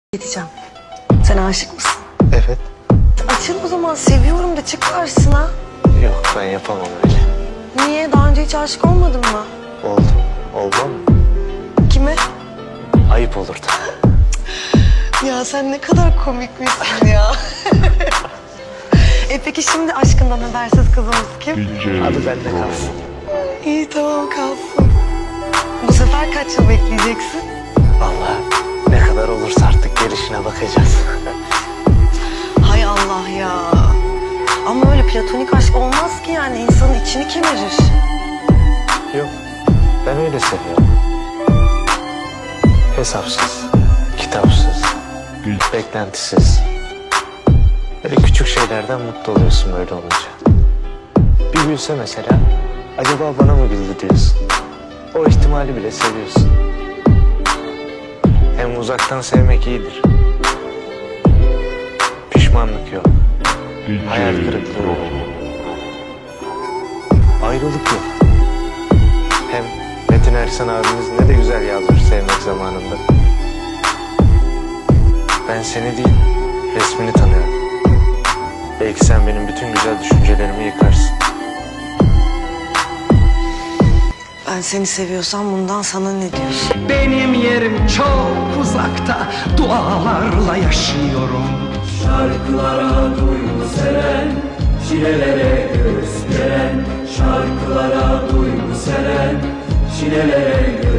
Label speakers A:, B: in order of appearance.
A: Diyeceğim. Sen aşık mısın?
B: Evet.
A: Açıl o zaman, seviyorum de çık karşısına.
B: Yok, ben yapamam öyle.
A: Niye? Daha önce hiç aşık olmadın mı?
B: Oldu. Olmam mı?
A: Kime?
B: Ayıp olurdu.
A: Ya sen ne kadar komik misin ya? Peki şimdi aşkından habersiz kızımız kim?
B: Adı bende kalsın.
A: İyi tamam kalsın. Bu sefer kaç yıl bekleyeceksin?
B: Vallahi ne kadar olursa artık gelişine bakacağız.
A: Hay Allah ya. Ama öyle platonik aşk olmaz ki, yani insanın içini kemirir.
B: Yok, ben öyle seviyorum. Hesapsız, kitapsız, beklentisiz. Böyle küçük şeylerden mutlu oluyorsun böyle olunca. Bir gülse mesela, acaba bana mı güldü diyorsun. O ihtimali bile seviyorsun. Hem uzaktan sevmek iyidir. Pişmanlık yok. Hayal kırıklığı yok. Ayrılık yok. Hem Metin Ersan abimiz ne de güzel yazmış sevmek zamanında. Ben seni değil, resmini tanıyorum. Belki sen benim bütün güzel düşüncelerimi yıkarsın.
A: Ben seni seviyorsam bundan sana ne diyorsun?
C: Benim yerim çok uzakta, dualarla yaşıyorum.
D: Şarkılara duygu seren, çilelere göğüs geren. Şarkılara duygu seren, çilelere göğüs